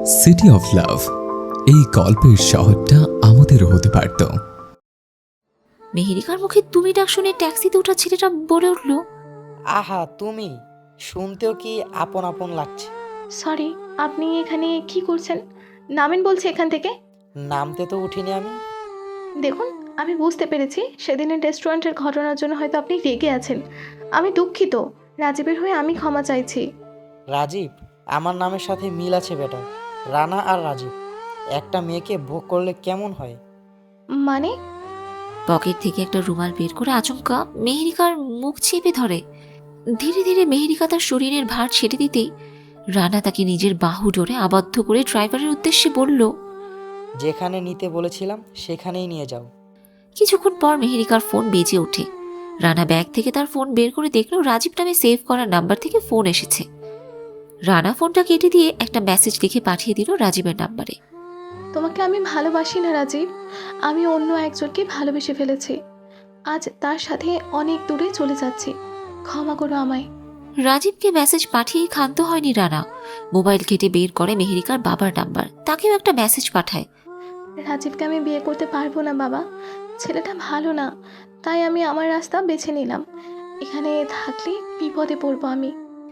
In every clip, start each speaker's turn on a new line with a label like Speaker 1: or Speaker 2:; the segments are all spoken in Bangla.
Speaker 1: সিটি অফ লাভ, এই গল্পের শহরটা আমাদেরও হতে পারত।
Speaker 2: মেহেরিকার মুখে তুমি ডাক শুনে ট্যাক্সিতে ওঠা ছেলেটা বলে উঠল,
Speaker 3: আহা তুমি, শুনতেও কি আপন আপন লাগছে।
Speaker 4: সরি, আপনি এখানে কি করছেন? নামেন বলছি এখান থেকে।
Speaker 3: নামতে তো উঠিনি আমি।
Speaker 4: দেখুন, আমি বুঝতে পেরেছি সেদিনের রেস্টুরেন্টের ঘটনার জন্য হয়তো আপনি রেগে আছেন। আমি দুঃখিত। রাজীবের হয়ে আমি ক্ষমা চাইছি।
Speaker 3: রাজীব? আমার নামের সাথে মিল আছে বেটা। রানা আর রাজীব একটা মেয়েকে ভোগ করলে কেমন হয়?
Speaker 4: মানে?
Speaker 2: পকেট থেকে একটা রুমাল বের করে আচমকা মেহেরিকার মুখ চেপে ধরে। ধীরে ধীরে মেহেরিকা তার শরীরের ভার ছেড়ে দিতেই রানা তাকে নিজের বাহু ডোরে আবদ্ধ করে ড্রাইভারের উদ্দেশ্যে বলল,
Speaker 3: যেখানে নিতে বলেছিলাম সেখানেই নিয়ে যাও।
Speaker 2: কিছুক্ষণ পর মেহেরিকার ফোন বেজে ওঠে। রানা ব্যাগ থেকে তার ফোন বের করে দেখল রাজীব নামে সেভ করা নাম্বার থেকে ফোন এসেছে। রানা ফোনটা কেটে দিয়ে একটা মেসেজ লিখে পাঠিয়ে দিল রাজীবের নাম্বারে।
Speaker 4: তোমাকে আমি ভালোবাসি না রাজীব। আমি অন্য একজনকে ভালোবেসে ফেলেছি। আজ তার সাথে অনেক দূরে চলে যাচ্ছি। ক্ষমা করো আমায়।
Speaker 2: রাজীবকে মেসেজ পাঠিয়ে ক্ষান্ত হয়নি রানা। মোবাইল কেটে বের করে মেহেরিকার বাবার নাম্বার, তাকেও একটা মেসেজ পাঠায়।
Speaker 4: রাজীবকে আমি বিয়ে করতে পারবো না বাবা। ছেলেটা ভালো না, তাই আমি আমার রাস্তা বেছে নিলাম। এখানে থাকলে বিপদে পড়বো আমি।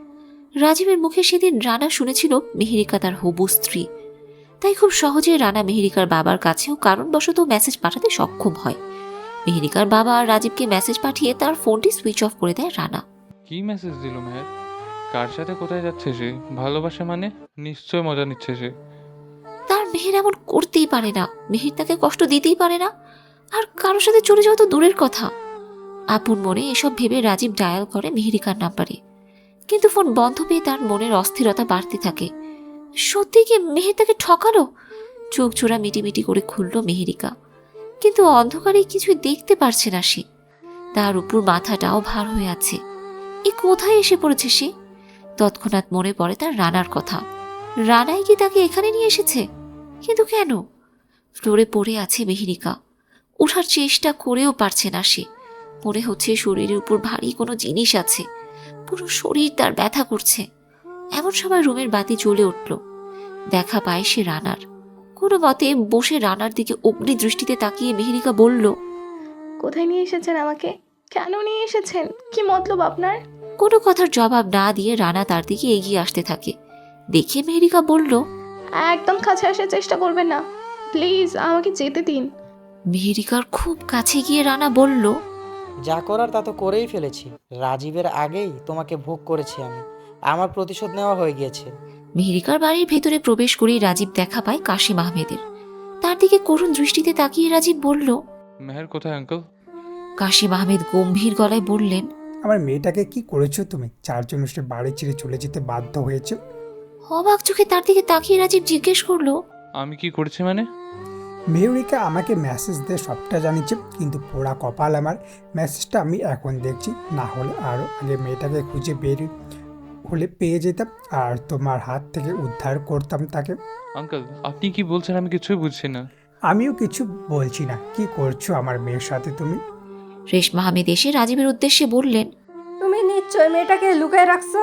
Speaker 2: রাজীবের মুখে সেদিন রানা শুনেছিল মেহেরিকা তার হবু স্ত্রী, তাই খুব সহজে রানা মেহেরিকার বাবার কাছেও কারণবশত মেসেজ পাঠাতে সক্ষম হয়। মেহেরিকার বাবা আর রাজীবকে মেসেজ পাঠিয়ে তার ফোনটি সুইচ অফ করে দেয় রানা।
Speaker 5: কি মেসেজ দিল মেহের? কার সাথে কোথায় যাচ্ছে সে? ভালোবাসা মানে নিশ্চয় মজা নিচ্ছে সে।
Speaker 2: তার মেহের এমন করতেই পারে না, মেহের তাকে কষ্ট দিতেই পারে না, আর কারোর সাথে চলে যাওয়া তো দূরের কথা। আপন মনে এসব ভেবে রাজীব ডায়াল করে মেহেরিকার নাম্বারে, কিন্তু ফোন বন্ধ পেয়ে তার মনের অস্থিরতা বাড়তে থাকে। সত্যি কি মেহের তাকে ঠকালো? চোখ জোড়া মিটিমিটি করে খুলল মেহেরিকা, কিন্তু অন্ধকারে কিছুই দেখতে পারছে না সে। তার উপর মাথাটাও ভার হয়ে আছে। এ কোথায় এসে পড়েছে সে? তৎক্ষণাৎ মনে পড়ে তার রানার কথা। রানাই কি তাকে এখানে নিয়ে এসেছে? কিন্তু কেন? ফ্লোরে পড়ে আছে মেহেরিকা, ওঠার চেষ্টা করেও পারছে না সে। মনে হচ্ছে শরীরের উপর ভারী কোনো জিনিস আছে, পুরো শরীর তার ব্যথা করছে। এমন সময় রুমের বাতি জ্বলে উঠল। দেখা পায় সে রানার। কোনো মতে বসে রানার দিকে অগ্নি দৃষ্টিতে তাকিয়ে মেহেরিকা বলল,
Speaker 4: কোথায় নিয়ে এসেছেন আমাকে? কেন নিয়ে এসেছেন? কি মতলব আপনার?
Speaker 2: কোনো কথার জবাব না দিয়ে রানা তার দিকে এগিয়ে আসতে থাকে। দেখে মেহেরিকা বলল,
Speaker 4: একদম কাছে আসার চেষ্টা করবেন না, প্লিজ আমাকে যেতে দিন।
Speaker 2: মেহেরিকার খুব কাছে গিয়ে রানা বলল,
Speaker 3: যা করার তা তো করেই ফেলেছি। রাজীবের আগেই তোমাকে ভোগ করেছি আমি। আমার প্রতিশোধ নেওয়া হয়ে গিয়েছে।
Speaker 2: মেহেরিকার বাড়ির ভেতরে প্রবেশ করেই রাজীব দেখা পায় কাশিম আহমেদের। তার দিকে করুণ দৃষ্টিতে তাকিয়ে রাজীব বলল,
Speaker 5: মেহের কোথায় আঙ্কেল?
Speaker 2: কাশিম আহমেদ গম্ভীর গলায় বললেন,
Speaker 6: আমার মেয়েটাকে কি করেছো তুমি? চারজন সে বাড়ি ছেড়ে চলে যেতে বাধ্য হয়েছে।
Speaker 2: অবাক চোখে তার দিকে তাকিয়ে রাজীব জিজ্ঞেস করলো,
Speaker 5: আমি কি করেছি মানে?
Speaker 6: মেয়রিকা আমাকে মেসেজ দিয়ে সবটা জানিয়েছে, কিন্তু পোড়া কপাল আমার, মেসেজটা আমি এখন দেখছি। না হলে আরও আগে মেয়েটাকে খুঁজে বের হলে পেয়ে যেতাম আর তোমার হাত থেকে উদ্ধার করতাম তাকে।
Speaker 5: আঙ্কেল আপনি কি বলছেন? আমি কিছুই বুঝছি না।
Speaker 6: আমিও কিছু বলছি না। কি করছো আমার মেয়ের সাথে তুমি?
Speaker 2: রেশমা আহমেদ এসে রাজীবের উদ্দেশ্যে বললেন,
Speaker 7: তুমি নিশ্চয় মেয়েটাকে লুকায় রাখছো।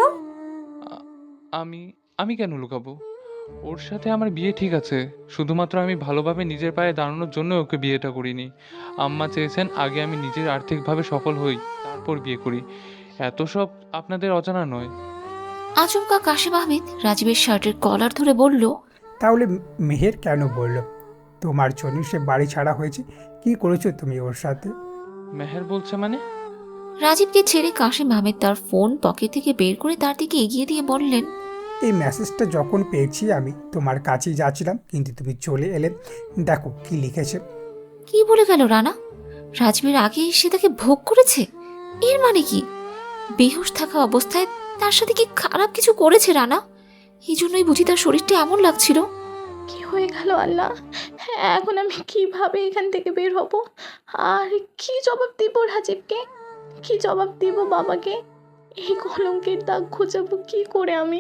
Speaker 5: আ- আমি আমি কেন লুকাবো? ওর সাথে আমার বিয়ে ঠিক আছে, শুধুমাত্র আমি ভালোভাবে নিজের পায়ে দাঁড়ানোর জন্য ওকে বিয়েটা করিনি। আম্মা চেয়েছেন আগে আমি নিজের আর্থিকভাবে সফল হই, তারপর বিয়ে করি। এত সব আপনাদের অজানা নয়।
Speaker 2: আচমকা কাশিম আহমেদ রাজীবের শার্টের কলার ধরে বলল,
Speaker 6: তাহলে মেহের কেন বললো তোমার জন্য সে বাড়ি ছাড়া হয়েছে? কি করেছো তুমি ওর সাথে?
Speaker 5: মেহের বলছে মানে?
Speaker 2: রাজীবকে ছেড়ে কাশিম আহমেদ তার ফোন পকেট থেকে বের করে তার দিকে এগিয়ে দিয়ে বললেন,
Speaker 6: এই মেসেজটা যখন পেয়েছি আমি তোমার কাছেই যাচ্ছিলাম, কিন্তু তুমি চলে এলে। দেখো কি লিখেছে।
Speaker 2: কি বলে গেল রানা? রাজীবের আগে সে তাকে ভোগ করেছে? এর মানে কি? বেহুশ থাকা অবস্থায় তার সাথে কি খারাপ কিছু করেছে রানা? এই জন্যই বুঝি তার শরীরটা এমন লাগছিল।
Speaker 4: কি হয়ে গেল আল্লাহ? হ্যাঁ, এখন আমি কিভাবে এখান থেকে বের হব? আর কি জবাব দিব রাজীবকে? কি জবাব দিব বাবাকে? এই কলঙ্কের দাগ ঘোচাবো কি করে আমি?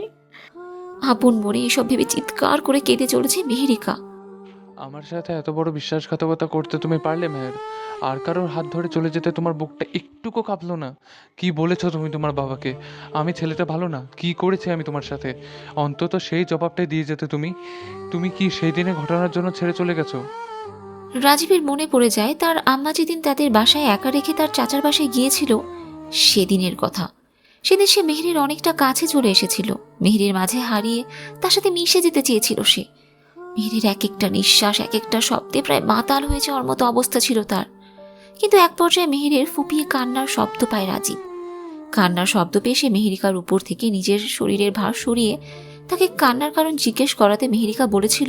Speaker 2: আপন মনে এসব ভেবে চিৎকার করে কেঁদে চলেছে মেহেরিকা।
Speaker 5: আমার সাথে এত বড় বিশ্বাসঘাতকতা করতে তুমি পারলে মেহের? আর কারোর হাত ধরে চলে যেতে তোমার বুকটা একটুকু কাঁপলো না? কি বলেছো তুমি তোমার বাবাকে? আমি ছেলেটা ভালো না? কি করেছি আমি তোমার সাথে? অন্তত সেই জবাবটাই দিয়ে যেতে তুমি। তুমি কি সেই দিনের ঘটনার জন্য ছেড়ে চলে গেছো?
Speaker 2: রাজীবের মনে পড়ে যায় তার আম্মা যেদিন তাদের বাসায় একা রেখে তার চাচার বাসায় গিয়েছিল সেদিনের কথা। সেদিন সে মেহেরের অনেকটা কাছে চলে এসেছিল, মেহেরের মাঝে হারিয়ে তার সাথে মিশে যেতে চেয়েছিল সে। মেহেরের এক একটা নিঃশ্বাস, এক একটা শব্দে প্রায় মাতাল হয়ে যাওয়ার মতো অবস্থা ছিল তার। কিন্তু এক পর্যায়ে মেহেরের ফুপিয়ে কান্নার শব্দ পায় রাজীব। কান্নার শব্দ পেয়ে সে মেহেরিকার উপর থেকে নিজের শরীরের ভার সরিয়ে তাকে কান্নার কারণ জিজ্ঞেস করাতে মেহেরিকা বলেছিল,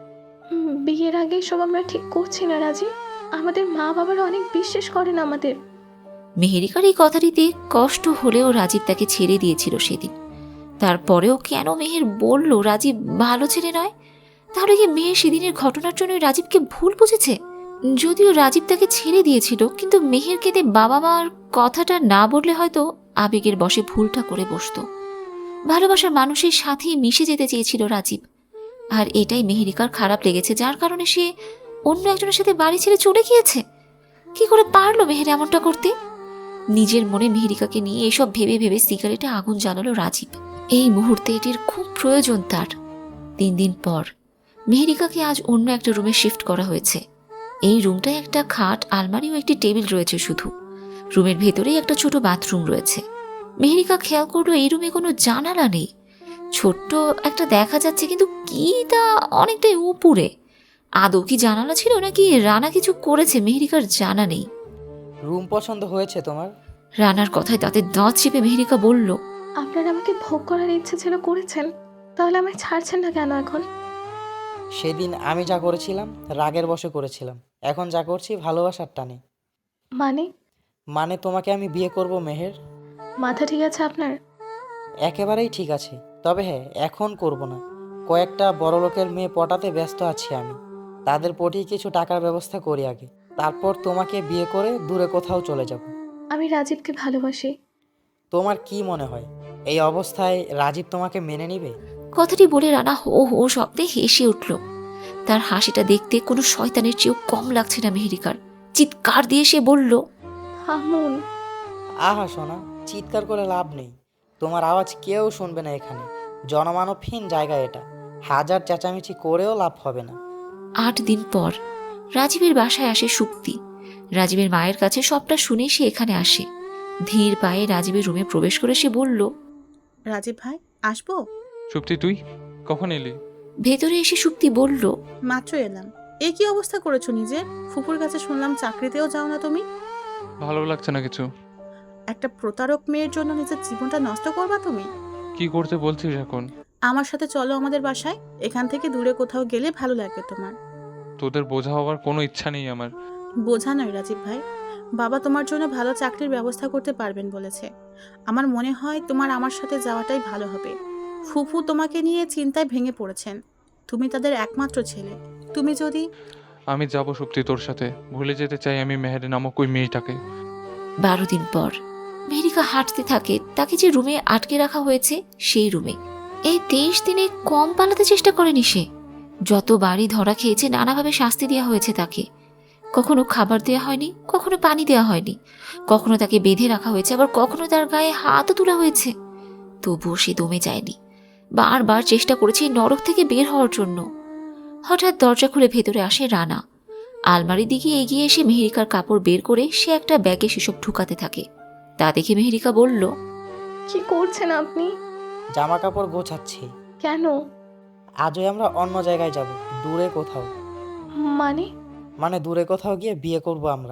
Speaker 4: বিয়ের আগে সব আমরা ঠিক করছি না রাজীব। আমাদের মা বাবারা অনেক বিশ্বাস করেন আমাদের।
Speaker 2: মেহেরিকার এই কথাটিতে কষ্ট হলেও রাজীব তাকে ছেড়ে দিয়েছিল সেদিন। তারপরেও কেন মেহের বলল রাজীব ভালো ছেলে নয়? তাহলে কি মেহের সেদিনের ঘটনার জন্য রাজীবকে ভুল বুঝেছে? যদিও রাজীব তাকে ছেড়ে দিয়েছিল, কিন্তু মেহের কেঁদে বাবা মার কথাটা না বললে হয়তো আবেগের বশে ভুলটা করে বসতো। ভালোবাসার মানুষের সাথেই মিশে যেতে চেয়েছিল রাজীব, আর এটাই মেহেরিকার খারাপ লেগেছে, যার কারণে সে অন্য একজনের সাথে বাড়ি ছেড়ে চলে গিয়েছে। কি করে পারলো মেহের এমনটা করতে? নিজের মনে মেহেরিকাকে নিয়ে এসব ভেবে ভেবে সিগারেটে আগুন জ্বালালো রাজীব। এই মুহূর্তে এটির খুব প্রয়োজন তার। 3 দিন পর মেহেরিকাকে আজ অন্য একটা রুমে শিফট করা হয়েছে। এই রুমটায় একটা খাট, আলমারি ও একটি টেবিল রয়েছে শুধু। রুমের ভেতরেই একটা ছোট বাথরুম রয়েছে। মেহেরিকা খেয়াল করলো এই রুমে কোনো জানালা নেই। ছোট্ট একটা দেখা যাচ্ছে, কিন্তু কি তা অনেকটাই উপরে। আদৌ কি জানালা ছিল নাকি রানা কিছু করেছে মেহেরিকার জানা নেই।
Speaker 3: রুম পছন্দ হয়েছে তোমার?
Speaker 2: রানার কথায় তাতে দাঁত চেপে মেহেরিকা বলল,
Speaker 4: আপনার আমাকে ভোগ করার ইচ্ছে ছিল, করেছেন, তাহলে আমায় ছাড়ছেন না কেন এখন?
Speaker 3: সেদিন আমি যা করেছিলাম রাগের বশে করেছিলাম, এখন যা করছি ভালোবাসার টানে।
Speaker 4: মানে?
Speaker 3: মানে তোমাকে আমি বিয়ে করব মেহের।
Speaker 4: মাথা ঠিক আছে আপনার?
Speaker 3: একেবারেই ঠিক আছে, তবে হ্যাঁ, এখন করব না। কয়েকটা বড় লোকের মেয়ে পটাতে ব্যস্ত আছি আমি। তাদের পটিয়ে কিছু টাকার ব্যবস্থা করি আগে, তারপর তোমাকে বিয়ে করে দূরে কোথাও চলে যাব।
Speaker 4: আমি রাজীবকে ভালোবাসি।
Speaker 3: তোমার কি মনে হয় এই অবস্থায় রাজীব তোমাকে মেনে নিবে?
Speaker 2: কথাটি বলে রানা হো হো শব্দে হেসে উঠল। তার হাসিটা দেখতে কোনো শয়তানের চেয়েও কম লাগছে না মেহেরিকার। চিৎকার দিয়ে সে বলল,
Speaker 4: থামুন।
Speaker 3: আহা সোনা, চিৎকার করে লাভ নেই। তোমার আওয়াজ কেউ শুনবে না এখানে। জনমানবহীন জায়গা এটা। হাজার চেঁচামেচি করেও লাভ হবে না।
Speaker 2: 8 দিন পর রাজীবের বাসায় আসে সুপ্তি। রাজীবের মায়ের কাছে সবটা শুনে সে এখানে আসে। ধীর পায়ে রাজীবের রুমে প্রবেশ করে সে বলল,
Speaker 8: রাজীব ভাই, আসবো?
Speaker 5: সুপ্তি, তুই কখন এলি?
Speaker 2: ভেতরে এসে সুপ্তি বলল,
Speaker 8: মাত্র এলাম। এ কি অবস্থা করেছো নিজের? ফুপুর কাছে শুনলাম চাকরিতেও যাও না তুমি।
Speaker 5: ভালো লাগছে না কিছু।
Speaker 8: একটা প্রতারক মেয়ের জন্য নিজের জীবনটা নষ্ট করবা তুমি?
Speaker 5: কি করতে বলছিস এখন?
Speaker 8: আমার সাথে চলো আমাদের বাসায়। এখান থেকে দূরে কোথাও গেলে ভালো লাগবে তোমার।
Speaker 5: তোদের বোঝা হওয়ার কোনো ইচ্ছা নেই আমার।
Speaker 8: বোঝা নয় রাজীব ভাই, বাবা তোমার জন্য ভালো চাকরির ব্যবস্থা করতে পারবেন বলেছে। আমার মনে হয় তোমার আমার সাথে যাওয়াটাই ভালো হবে। ফুফু তোমাকে নিয়ে চিন্তায় ভেঙে পড়েছেন। তুমি তাদের একমাত্র ছেলে। তুমি যদি...
Speaker 5: আমি যাব সুপ্তি তোর সাথে। ভুলে যেতে চাই আমি মেহের নামক ওই মেয়েটাকে।
Speaker 2: 12 দিন পর মেহেরিকা হাঁটতে থাকে তাকে যে রুমে আটকে রাখা হয়েছে সেই রুমে। এই 23 দিনে কম পালাতে চেষ্টা করেনি সে। যতবারই ধরা খেয়েছে নানাভাবে শাস্তি দেওয়া হয়েছে তাকে। কখনো খাবার দেওয়া হয়নি, কখনো পানি দেওয়া হয়নি, কখনো তাকে বেঁধে রাখা হয়েছে, আবার কখনো তার গায়ে হাতও তোলা হয়েছে। তবুও সে দমে যায়নি। বারবার চেষ্টা করেছে এই নরক থেকে বের হওয়ার জন্য। হঠাৎ দরজা খুলে ভেতরে আসে রানা। আলমারির দিকে এগিয়ে এসে মেহেরিকার কাপড় বের করে সে একটা ব্যাগে সেসব ঢুকাতে থাকে। তা দেখে মেহেরিকা বলল,
Speaker 4: কি করছেন আপনি?
Speaker 3: জামা কাপড় গোছাচ্ছি।
Speaker 4: কেন?
Speaker 3: আজই আমরা অন্য জায়গায় যাব, দূরে কোথাও।
Speaker 4: মানে?
Speaker 3: মানে দূরে কোথাও গিয়ে বিয়ে করব আমরা।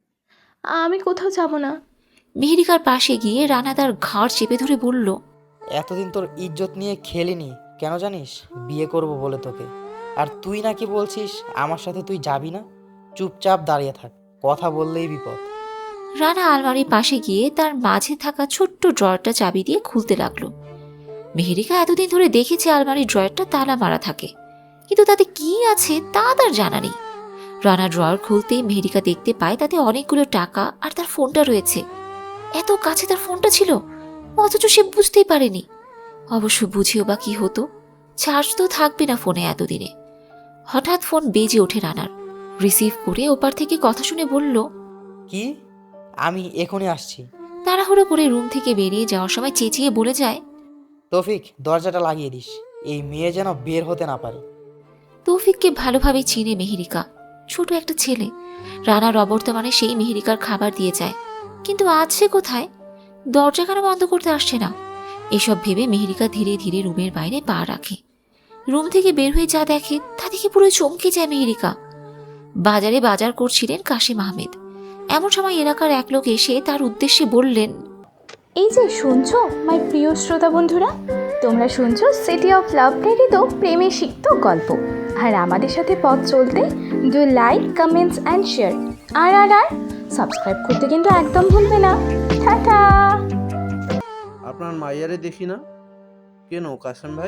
Speaker 4: আমি কোথাও যাব না।
Speaker 2: মেহেরিকার পাশে গিয়ে রানা তার ঘাড় চেপে ধরে বলল,
Speaker 3: এতদিন তোর ইজ্জত নিয়ে খেলিনি কেন জানিস? বিয়ে করব বলে তোকে। আর তুই নাকি বলছিস আমার সাথে তুই যাবি না? চুপচাপ দাঁড়িয়ে থাক, কথা বললেই বিপদ।
Speaker 2: রানা আলমারির পাশে গিয়ে তার মাঝে থাকা ছোট্ট ড্রয়ারটা চাবি দিয়ে খুলতে লাগলো। মেহেরিকা এতদিন ধরে দেখেছে আলমারির ড্রয়ারটা তালা মারা থাকে, কিন্তু তাতে কি আছে তা তার জানা নেই। রানা ড্রয়ার খুলতেই মেহেরিকা দেখতে পায় তাতে অনেকগুলো টাকা আর তার ফোনটা রয়েছে। এত কাছে তার ফোনটা ছিল, অথচ সে বুঝতেই পারেনি। অবশ্য বুঝেও বা কি হতো, চার্জ তো থাকবে না ফোনে এতদিনে। হঠাৎ ফোন বেজে ওঠে রানার। রিসিভ করে ওপার থেকে কথা শুনে বলল,
Speaker 3: কি? আমি এখনই আসছি।
Speaker 2: তাড়াহুড়ো করে রুম থেকে বেরিয়ে যাওয়ার সময় চেঁচিয়ে বলে যায়।
Speaker 3: তৌফিক, দরজাটা লাগিয়ে দিস, এই মেয়ে যেন বের হতে না পারে।
Speaker 2: তৌফিককে ভালোভাবে চিনে মেহেরিকা, ছোট একটা ছেলে। রানার অবর্তমানে সেই মেহেরিকার খাবার দিয়ে যায়, কিন্তু আজ সে কোথায়? দরজা কেন বন্ধ করতে আসছে না? এসব ভেবে মেহেরিকা ধীরে ধীরে রুমের বাইরে পা রাখে। রুম থেকে বের হয়ে যা দেখে তা দেখে পুরো চমকে যায় মেহেরিকা। বাজারে বাজার করছিলেন কাশিম আহমেদ। এমন সময় এলাকার এক লোক এসে তার উদ্দেশ্যে বললেন,
Speaker 4: এই যে শুনছো মাই প্রিয় শ্রোতা বন্ধুরা, তোমরা শুনছো সিটি অফ লাভ প্রেরিত প্রেমে সিক্ত গল্প। আর আমাদের সাথে পথ চলতে do like, comments and share. আর সাবস্ক্রাইব করতে কিন্তু একদম ভুলবে না। টাটা।
Speaker 9: আপনার মাইয়ারে দেখি না কেন কাসেম ভাই?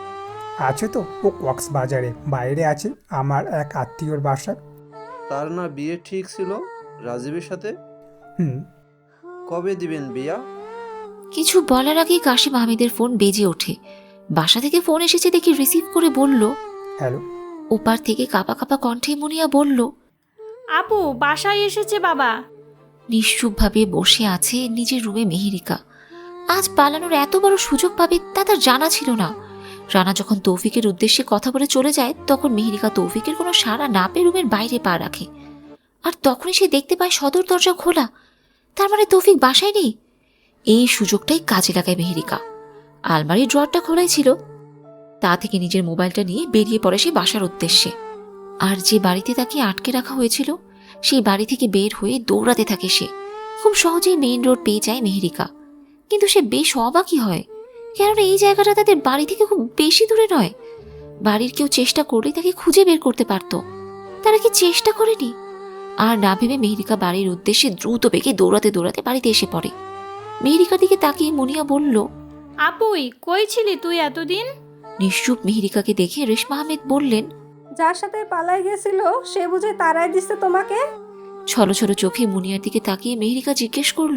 Speaker 6: আছে তো, ও কক্সবাজারে বাইরে আছে আমার এক আত্মীয়র বাসায়।
Speaker 9: তার না বিয়ে ঠিক ছিল রাজীবের সাথে?
Speaker 6: হুম।
Speaker 9: কবে দিবেন বিয়া?
Speaker 2: কিছু বলার আগেই কাশিম আহমেদের ফোন বেজে ওঠে। বাসা থেকে ফোন এসেছে দেখে রিসিভ করে বলল।
Speaker 6: হ্যালো।
Speaker 2: ওপার থেকে কাঁপা কাঁপা কণ্ঠে মুনিয়া বলল,
Speaker 10: আপু বাসায় এসেছে বাবা।
Speaker 2: নিশ্চুপভাবে বসে আছে নিজের রুমে মেহেরিকা। আজ পালানোর এত বড় সুযোগ পাবে তা তার জানা ছিল না। রানা যখন তৌফিকের উদ্দেশ্যে কথা বলে চলে যায়, তখন মেহেরিকা তৌফিকের কোনো সাড়া না পেয়ে রুমের বাইরে পা রাখে। আর তখনই সে দেখতে পায় সদর দরজা খোলা। তার মানে তৌফিক বাসায় নেই। এই সুযোগটাই কাজে লাগায় মেহেরিকা। আলমারির ড্রয়ারটা খোলাই ছিল, তা থেকে নিজের মোবাইলটা নিয়ে বেরিয়ে পড়ে সে বাসার উদ্দেশ্যে। আর যে বাড়িতে তাকে আটকে রাখা হয়েছিল সেই বাড়ি থেকে বের হয়ে দৌড়াতে থাকে সে। খুব সহজেই মেইন রোড পেয়ে যায় মেহেরিকা। কিন্তু সে বেশ অবাকই হয়, কেননা এই জায়গাটা তাদের বাড়ি থেকে খুব বেশি দূরে নয়। বাড়ির কেউ চেষ্টা করলেই তাকে খুঁজে বের করতে পারত। তারা কি চেষ্টা করেনি? আর না ভেবে মেহেরিকা বাড়ির উদ্দেশ্যে দ্রুত বেগে দৌড়াতে দৌড়াতে বাড়িতে এসে পড়ে। মেহেরিকার দিকে তাকিয়ে মুনিয়া বলল,
Speaker 10: আপুই কই ছিলি তুই এতদিন?
Speaker 2: নিশ্চুপ মেহেরিকাকে দেখে রেশমা আহমেদ বললেন,
Speaker 7: যার সাথে পালাই গেছিল সে বুঝে তারাই দিচ্ছে তোমাকে?
Speaker 2: ছলো ছলো চোখে মুনিয়ার দিকে তাকিয়ে মেহেরিকা জিজ্ঞেস করলো,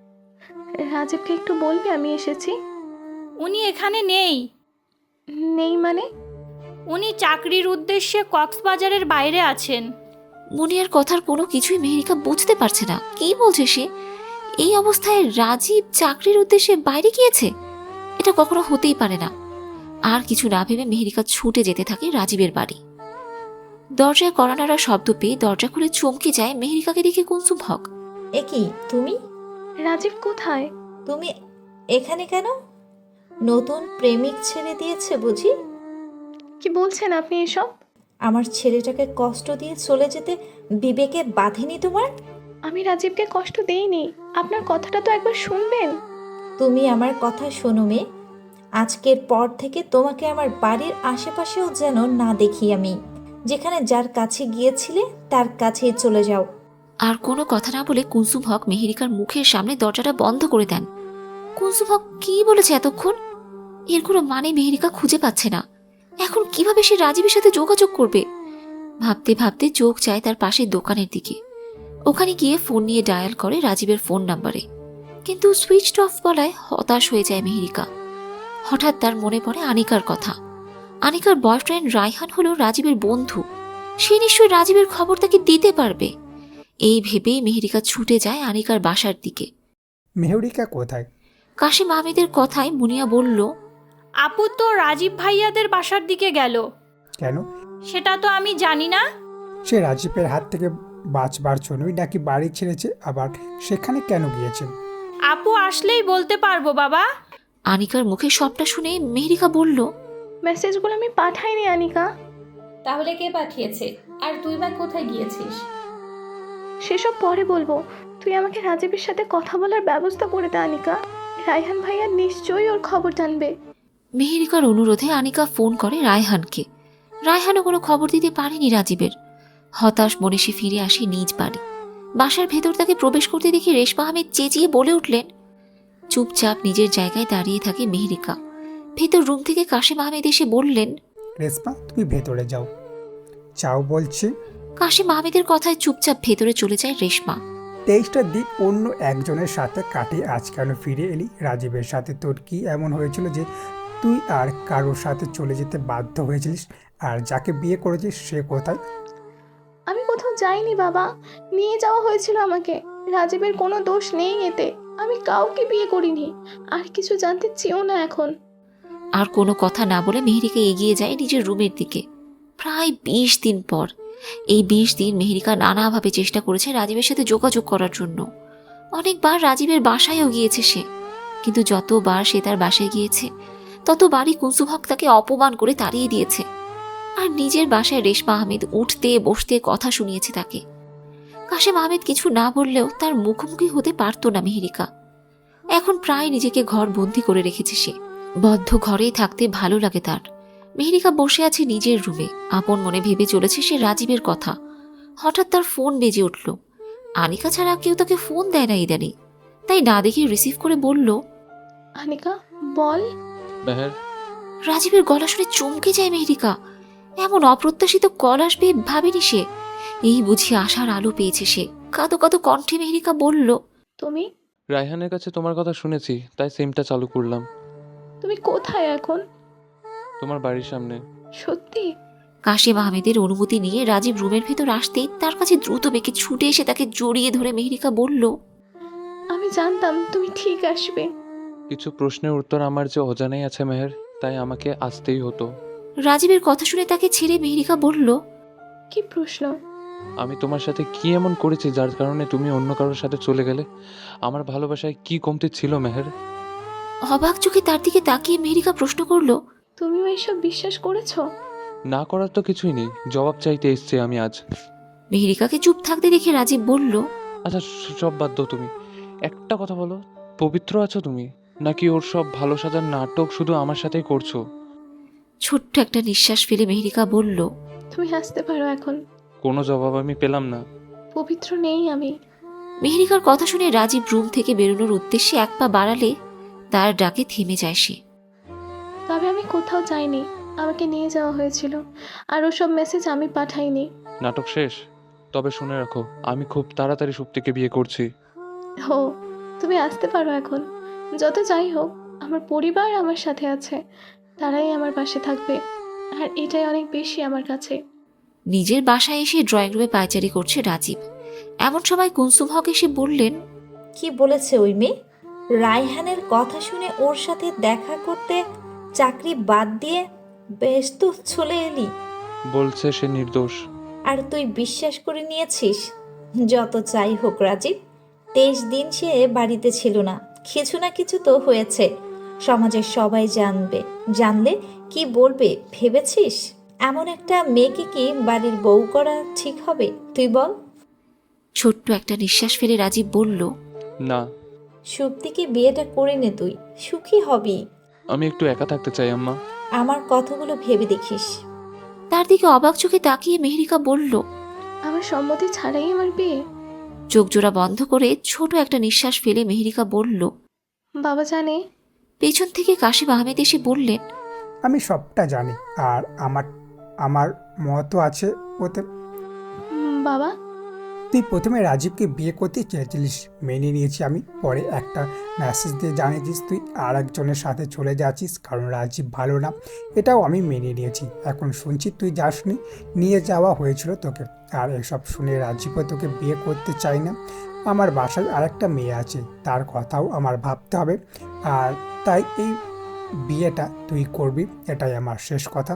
Speaker 4: রাজীবকে একটু বলবি আমি এসেছি?
Speaker 10: উনি এখানে নেই।
Speaker 4: নেই মানে?
Speaker 10: উনি চাকরির উদ্দেশ্যে কক্সবাজারের বাইরে আছেন।
Speaker 2: মুনিয়ার কথার কোনো কিছুই মেহেরিকা বুঝতে পারছে না। কি বলছে সে? এই অবস্থায় রাজীব চাকরির উদ্দেশ্যে বাইরে গিয়েছে? এটা কখনো হতেই পারে না। আর কিছু না ভেবে মেহেরিকা ছুটে যেতে থাকে রাজীবের বাড়ি। দরজায় কড়া নাড়া শব্দ পেয়ে দরজা খুলে চমকে যায় মেহেরিকাকে দেখে কুলসুম হক।
Speaker 11: এ কি তুমি?
Speaker 4: রাজীব কোথায়?
Speaker 11: তুমি এখানে কেন? নতুন প্রেমিক ছেড়ে দিয়েছে বুঝি?
Speaker 4: কি বলছেন আপনি এসব?
Speaker 11: আমার ছেলেটাকে কষ্ট দিয়ে চলে যেতে বিবেকে বাঁধেনি তোমার?
Speaker 4: আমি রাজীবকে কষ্ট দেইনি। আপনার কথাটা তো একবার শুনবেন।
Speaker 11: তুমি আমার কথা শোনো মেয়ে। আজকের পর থেকে তোমাকে আমার বাড়ির আশেপাশেও যেন না দেখি আমি। যেখানে যার কাছে গিয়েছিলে তার কাছেই চলে যাও।
Speaker 2: আর কোনো কথা না বলে কুলসুম হক মেহেরিকার মুখের সামনে দরজাটা বন্ধ করে দেন। কুলসুম হক কি বলেছে এতক্ষণ? এর কোনো মানে মেহেরিকা খুঁজে পাচ্ছে না। এখন কিভাবে সে রাজীবের সাথে যোগাযোগ করবে? ভাবতে ভাবতে চোখ যায় তার পাশের দোকানের দিকে। ওখানে গিয়ে ফোন নিয়ে ডায়াল করে রাজীবের ফোন নাম্বারে, কিন্তু সুইচড অফ বলায় হতাশ হয়ে যায় মেহেরিকা। হঠাৎ তার মনে পড়ে আনিকার কথা। আনিকার বয়ফ্রেন্ড রায়হান হলো রাজীবের বন্ধু। সে নিশ্চয়ই রাজীবের খবর তাকে দিতে পারবে। এই ভেবেই মেহেরিকা ছুটে যায় আনিকার বাসার দিকে।
Speaker 6: মেহেরিকা কোথায়?
Speaker 2: কাশিম আহমেদের কথায় মুনিয়া বলল,
Speaker 10: আপু তো রাজীব ভাইয়াদের বাসার দিকে গেল।
Speaker 6: কেন?
Speaker 10: সেটা তো আমি জানি না।
Speaker 6: সে রাজীবের হাত থেকে বাঁচবার জন্যই নাকি বাড়ি ছেড়েছে, আবার সেখানে কেন গিয়েছে?
Speaker 10: আপু আসলেই বলতে পারবো বাবা।
Speaker 2: আনিকার মুখে সবটা শুনে মেহেরিকা বলল,
Speaker 4: মেসেজগুলো আমি পাঠাইনি আনিকা।
Speaker 12: তাহলে কে পাঠিয়েছে? আর তুই বা কোথায় গিয়েছিস?
Speaker 4: সেসব পরে বলবো। তুই আমাকে রাজীবের সাথে কথা বলার ব্যবস্থা করে দে আনিকা। রায়হান ভাইয়া নিশ্চয়ই ওর খবর জানবে।
Speaker 2: মেহেরিকার অনুরোধে আনিকা ফোন করে রায়হানকে। রায়হানও কোনো খবর দিতে পারেনি রাজীবের। হতাশ মনে সে ফিরে আসে নিজ বাড়ি। বাসার ভেতর তাকে প্রবেশ করতে দেখে রেশমা আহমেদ চেঁচিয়ে বলে উঠলেন। চুপচাপ নিজের জায়গায় দাঁড়িয়ে থাকে মেহেরিকা। ভেতর রুম থেকে কাশিম আহমেদ এসে বললেন,
Speaker 6: রেশমা, তুমি ভেতরে যাও। চাও বলছি।
Speaker 2: কাশিম আহমেদের কথায় চুপচাপ ভেতরে চলে যায় রেশমা।
Speaker 6: 23টা দিন অন্য একজনের সাথে কাটিয়ে আজ কেন ফিরে এলি? রাজীবের সাথে তোর কি এমন হয়েছিল যে তুই আর কারোর সাথে চলে যেতে বাধ্য হয়েছিলিস? আর যাকে বিয়ে করেছিস সে কোথায়?
Speaker 4: আমি যাইনি বাবা, নিয়ে যাওয়া হয়েছিল আমাকে। রাজীবের কোনো দোষ নেই এতে, আমি কাউকে বিয়ে করিনি, আর কিছু জানতে চেয়েও না এখন।
Speaker 2: আর কোনো কথা না বলে মেহেরিকা এগিয়ে যায় নিজের রুমের দিকে। প্রায় 20 দিন পর। এই 20 দিন মেহেরিকা নানাভাবে চেষ্টা করেছে রাজীবের সাথে যোগাযোগ করার জন্য। অনেকবার রাজীবের বাসায়ও গিয়েছে সে, কিন্তু যতবার সে তার বাসায় গিয়েছে ততবারই কুনসুম হক তাকে অপমান করে তাড়িয়ে দিয়েছে। আর নিজের বাসায় রেশমা আহমেদ উঠতে বসতে কথা শুনিয়েছে তাকে। কাশেম আহমেদ কিছু না বললেও তার মুখোমুখি হতে পারত না মেহেরিকা। এখন প্রায় নিজেকে ঘর বন্দি করে রেখেছে সে। বদ্ধ ঘরেই থাকতে ভালো লাগে তার। মেহেরিকা বসে আছে নিজের রুমে, আপন মনে ভেবে চলেছে সে রাজীবের কথা। হঠাৎ তার ফোন বেজে উঠল। আনিকা ছাড়া কেউ তাকে ফোন দেয় না ইদানি, তাই না দেখে রিসিভ করে বলল,
Speaker 4: আনিকা বল।
Speaker 5: মেহের,
Speaker 2: রাজীবের গলা শুনে চমকে যায় মেহেরিকা। এমন অপ্রত্যাশিত কল আসবে ভাবেনি সে। এই বুঝি আশার আলো পেয়েছে সে। কাঁদো কাঁদো কণ্ঠে মেহেরিকা বলল,
Speaker 4: তুমি
Speaker 5: রায়হানের কাছে তোমার কথা শুনেছি, তাই সিমটা চালু করলাম।
Speaker 4: তুমি কোথায় এখন?
Speaker 5: তোমার বাড়ির সামনে।
Speaker 4: সত্যি?
Speaker 2: কাশেম আহমেদের অনুমতি নিয়ে রাজীব রুমের ভেতর আসতেই তার কাছে দ্রুত বেগে ছুটে এসে তাকে জড়িয়ে ধরে মেহেরিকা বলল,
Speaker 4: আমি জানতাম তুমি ঠিক আসবে।
Speaker 5: কিছু প্রশ্নের উত্তর আমার যে অজানাই আছে মেহের, তাই আমাকে আসতেই হতো।
Speaker 2: রাজীবের কথা শুনে তাকে ছেড়ে মেহেরিকা বলল,
Speaker 4: কি প্রশ্ন?
Speaker 5: আমি তোমার সাথে কি এমন করেছি যার কারণে তুমি অন্য কারোর সাথে চলে গেলে? আমার ভালোবাসায় কি কমতি ছিল মেহের?
Speaker 2: অবাক চোখে তার দিকে তাকিয়ে মেহেরিকা প্রশ্ন করল,
Speaker 4: তুমিও এসব বিশ্বাস করেছো?
Speaker 5: না করার তো কিছুই নেই, জবাব চাইতে এসছি আমি আজ।
Speaker 2: মেহেরিকাকে চুপ থাকতে দেখে রাজীব বলল,
Speaker 5: আচ্ছা সব বাদ দাও, তুমি একটা কথা বলো, পবিত্র আছো তুমি, নাকি ওর সব ভালো সাজার নাটক শুধু আমার সাথেই করছো?
Speaker 2: ছোট্ট একটা নিঃশ্বাস ফেলে মেহেরিকা বলল,
Speaker 4: তুমি হাসতে পারো এখন।
Speaker 5: কোনো জবাব আমি পেলাম না।
Speaker 4: পবিত্র নেই আমি।
Speaker 2: মেহেরিকার কথা শুনে রাজীব রুম থেকে বেরোনোর উদ্দেশ্যে এক পা বাড়ালে তার ডাকে থেমে যায় সে।
Speaker 4: তবে আমি কোথাও যাইনি, আমাকে নিয়ে যাওয়া হয়েছিল, আর ওসব মেসেজ আমি পাঠাইনি।
Speaker 5: নাটক শেষ? তবে শুনে রাখো, আমি খুব তাড়াতাড়ি সুপ্তিকে বিয়ে করছি।
Speaker 4: হো, তুমি আসতে পারো এখন। যত যাই হোক, আমার পরিবার আমার সাথে আছে, তারাই আমার পাশে থাকবে, আর এটাই অনেক বেশি আমার কাছে।
Speaker 2: নিজের বাসায় এসে ড্রয়িং রুমে পায়চারি করছে রাজীব। এমন সময় কুনসুম হক এসে বললেন,
Speaker 11: কি বলেছে ওই মেয়ে? রায়হানের কথা শুনে ওর সাথে দেখা করতে চাকরি বাদ দিয়ে বেশ তো চলে এলি।
Speaker 5: বলছে সে নির্দোষ।
Speaker 11: আর তুই বিশ্বাস করে নিয়েছিস? যত চাই হোক রাজীব, 23 দিন সে বাড়িতে ছিল না, কিছু না কিছু তো হয়েছে। সমাজের সবাই জানবে, জানলে কি বলবে ভেবেছিস? এমন একটা মেয়েকে কি বাড়ির বউ করা ঠিক হবে তুই বল?
Speaker 2: ছোট্ট একটা নিঃশ্বাস ফেলে রাজীব বলল,
Speaker 5: না,
Speaker 11: সুপ্তিকে বিয়েটা করে নে, তুই সুখী হবি।
Speaker 5: আমি একটু একা থাকতে চাই আম্মা।
Speaker 11: আমার কথাগুলো ভেবে দেখিস।
Speaker 2: তার দিকে অবাক চোখে তাকিয়ে মেহেরিকা বলল,
Speaker 4: আমার সম্মতি ছাড়াই আমার বিয়ে?
Speaker 2: চোখ জোড়া বন্ধ করে ছোট একটা নিঃশ্বাস ফেলে মেহেরিকা বলল,
Speaker 4: বাবা জানে?
Speaker 2: পেছন থেকে কাশেম আহমেদ এসে বললেন,
Speaker 6: আমি সবটা জানি, আর আমার মতও আছে ওতে।
Speaker 4: বাবা,
Speaker 6: তুই প্রথমে রাজীবকে বিয়ে করতে চেয়েছিলিস, মেনে নিয়েছি আমি। পরে একটা মেসেজ দিয়ে জানিয়েছিস তুই আর একজনের সাথে চলে যাচ্ছিস কারণ রাজীব ভালো না, এটাও আমি মেনে নিয়েছি। এখন শুনছি তুই যাসনি, নিয়ে যাওয়া হয়েছিল তোকে। আর এসব শুনে রাজীবও তোকে বিয়ে করতে চাই না। আমার বাসায় আরেকটা মেয়ে আছে, তার কথাও আমার ভাবতে হবে, আর তাই এই বিয়েটা তুই করবি, এটাই আমার শেষ কথা।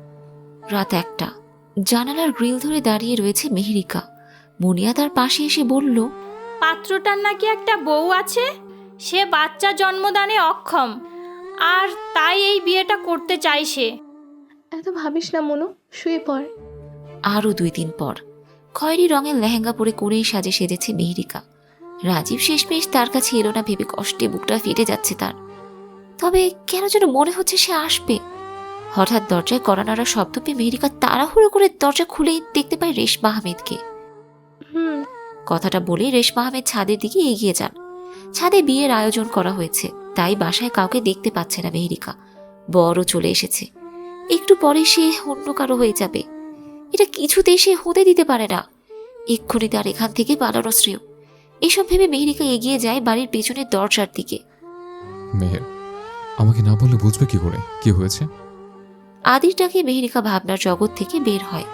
Speaker 2: রাত 1টা। জানালার গ্রিল ধরে দাঁড়িয়ে রয়েছে মেহেরিকা। মুনিয়া তার পাশে এসে বলল,
Speaker 10: পাত্রটার নাকি একটা বউ আছে, সে বাচ্চা জন্মদানে অক্ষম, আর তাই এই বিয়েটা করতে চাই সে।
Speaker 4: এত ভাবিস না মনু, শুয়ে পড়।
Speaker 2: আরও 2 দিন পর খয়েরি রঙের লেহেঙ্গা পরে কোণেই সাজে সেজেছে মেহেরিকা। রাজীব শেষমেশ তার কাছে এলো না ভেবে কষ্টে বুকটা ফেটে যাচ্ছে তার। তবে কেন যেন মনে হচ্ছে সে আসবে। হঠাৎ দরজায় কড়া নাড়ার শব্দ পেয়ে মেহেরিকা তাড়াহুড়ো করে দরজা খুলেই দেখতে পায় রেশমা আহমেদকে। কথাটা বলে রেশমা আহমেদ ছাদের দিকে এগিয়ে যান। ছাদে বিয়ের আয়োজন করা হয়েছে, তাই বাসায় কাউকে দেখতে পাচ্ছে না মেহেরিকা। বড় চলে এসেছে, একটু পরে সে অন্য কারো হয়ে যাবে। এটা কিছুতেই সে হতে দিতে পারে না। এক্ষুনি তার এখান থেকে পালানো শ্রেয়। এসব ভেবে মেহেরিকা এগিয়ে যায় বাড়ির পেছনের দরজার দিকে।
Speaker 1: মেহের, আমাকে না বললে বুঝবে কি করে কি হয়েছে?
Speaker 2: আদির ডাকে মেহেরিকা ভাবনার জগৎ থেকে বের হয়।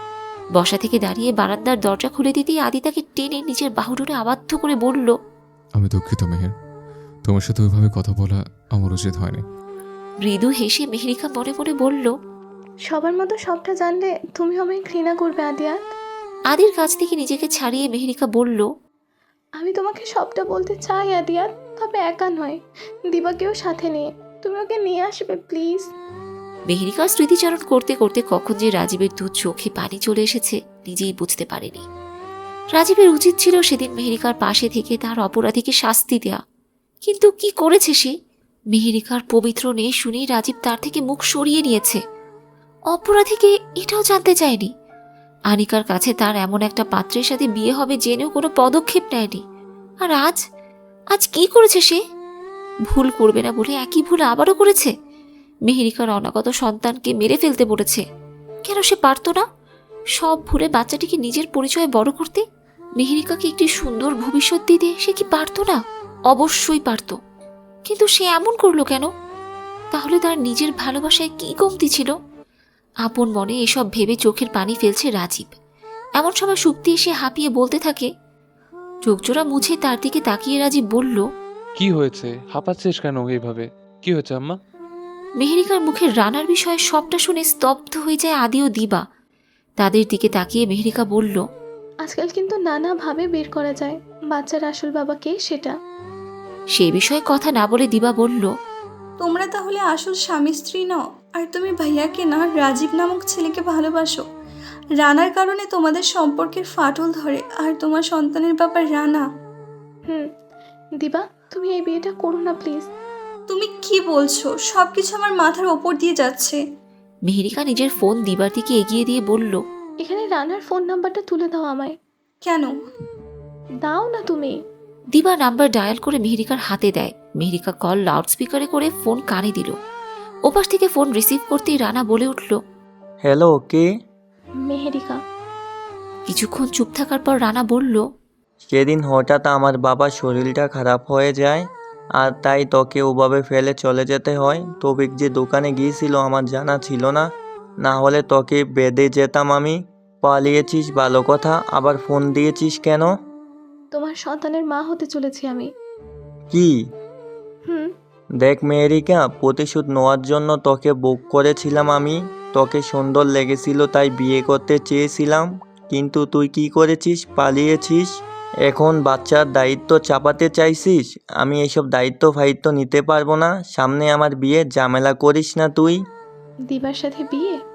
Speaker 2: বসা থেকে দাঁড়িয়ে বারান্দার দরজা খুলে দিতেই আদি তাকে টেনে নিজের বাহুডোরে আবদ্ধ করে বলল,
Speaker 1: আমি দুঃখিত মেহের, তোমার সাথে ওইভাবে কথা বলা আমার উচিত হয়নি।
Speaker 2: মৃদু হেসে মেহেরিকা মনে মনে বলল,
Speaker 4: সবার মতো সবটা জানলে তুমি আমায় ঘৃণা করবে আদিয়াত।
Speaker 2: আদির কাছ থেকে নিজেকে ছাড়িয়ে মেহেরিকা বলল,
Speaker 4: আমি তোমাকে সবটা বলতে চাই আদিয়াত, তবে একা নয়, দিবাকেও সাথে নিয়ে। তুমি ওকে নিয়ে আসবে প্লিজ।
Speaker 2: মেহেরিকা স্মৃতিচারণ করতে করতে কখন যে রাজীবের দু চোখে পানি চলে এসেছে নিজেই বুঝতে পারেনি। রাজীবের উচিত ছিল সেদিন মেহেরিকার পাশে থেকে তার অপরাধীকে শাস্তি দেয়া, কিন্তু কি করেছে সে? মেহেরিকার পবিত্র নেই শুনেই রাজীব তার থেকে মুখ সরিয়ে নিয়েছে। অপরাধীকে এটাও জানতে চায়নি। আনিকার কাছে তার এমন একটা পাত্রের সাথে বিয়ে হবে জেনেও কোনো পদক্ষেপ নেয়নি। আর আজ কি করেছে সে? ভুল করবে না বলে একই ভুল আবারও করেছে। মেহেরিকার অনাগত সন্তানকে মেরে ফেলতে বলেছে। কেন সে পারত না সব ভুলে বাচ্চাটিকে নিজের পরিচয়ে বড় করতে? মেহেরিকাকে একটি সুন্দর ভবিষ্যৎ দিতে সে কি পারত না? অবশ্যই পারত, কিন্তু সে এমন করলো কেন? তাহলে তার নিজের ভালোবাসায় কি কমতি ছিল? আপন মনে এসব ভেবে চোখের পানি ফেলছে রাজীব। এমন সময় সুপ্তি এসে হাঁপিয়ে বলতে থাকে। চোখজোড়া মুছে তার দিকে তাকিয়ে রাজীব বলল,
Speaker 5: কি হয়েছে? হাঁপাচ্ছিস কেন এইভাবে? কি হয়েছে আম্মা?
Speaker 2: মেহেরিকার মুখের রানার বিষয়ে সবটা শুনে স্তব্ধ হয়ে যায় আদি ও দিবা। তাদের দিকে তাকিয়ে মেহেরিকা বলল,
Speaker 4: আজকাল কিন্তু নানাভাবে বের করা যায় বাচ্চার আসল বাবা কে সেটা।
Speaker 2: সেই বিষয়ে কথা না বলে দিবা বলল,
Speaker 13: তোমরা তাহলে আসল স্বামী স্ত্রী নও, আর তুমি ভাইয়াকে না রাজীব নামক ছেলেকে ভালোবাসো। রানার কারণে তোমাদের সম্পর্কের ফাটল ধরে, আর তোমার সন্তানের বাবা রানা।
Speaker 4: দিবা, তুমি এই বিয়েটা করো না প্লিজ।
Speaker 13: তুমি কি বলছো? সব কিছু আমার মাথার ওপর দিয়ে যাচ্ছে।
Speaker 2: মেহেরিকা নিজের ফোন দিবার দিকে এগিয়ে দিয়ে বলল,
Speaker 4: এখানে রানার ফোন নাম্বারটা তুলে দাও আমায়।
Speaker 13: কেন?
Speaker 4: দাও না তুমি।
Speaker 2: দিবা নাম্বার ডায়াল করে মেহেরিকার হাতে দেয়। মেহেরিকা কল লাউডস্পিকারে করে ফোন কানে দিল। ওপাশ থেকে ফোন রিসিভ করতেই রানা বলে উঠল,
Speaker 14: হ্যালো, কে?
Speaker 4: মেহেরিকা।
Speaker 2: কিছুক্ষণ চুপ থাকার পর রানা বলল,
Speaker 14: সেদিন হঠাৎ আমার বাবার শরীরটা খারাপ হয়ে যায়, আর তাই তোকে ওভাবে ফেলে চলে যেতে হয়। তবিক যে দোকানে গিয়েছিল আমার জানা ছিল না, না হলে তোকে বেঁধে যেতাম আমি। পালিয়েছিস ভালো কথা, আবার ফোন দিয়েছিস কেন?
Speaker 4: তোমার সন্তানের মা হতে চলেছি আমি।
Speaker 14: কি?
Speaker 4: হুম।
Speaker 14: দেখ মেহেরিকা, প্রতিশোধ নেওয়ার জন্য তোকে বুক করেছিলাম আমি। তোকে সুন্দর লেগেছিল তাই বিয়ে করতে চেয়েছিলাম, কিন্তু তুই কি করেছিস? পালিয়েছিস। এখন বাচ্চার দায়িত্ব চাপাতে চাইছিস। আমি এসব দায়িত্ব ফায়িত্ব নিতে পারবো না। সামনে আমার বিয়ে, ঝামেলা করিস না তুই।
Speaker 4: দিবার সাথে বিয়ে?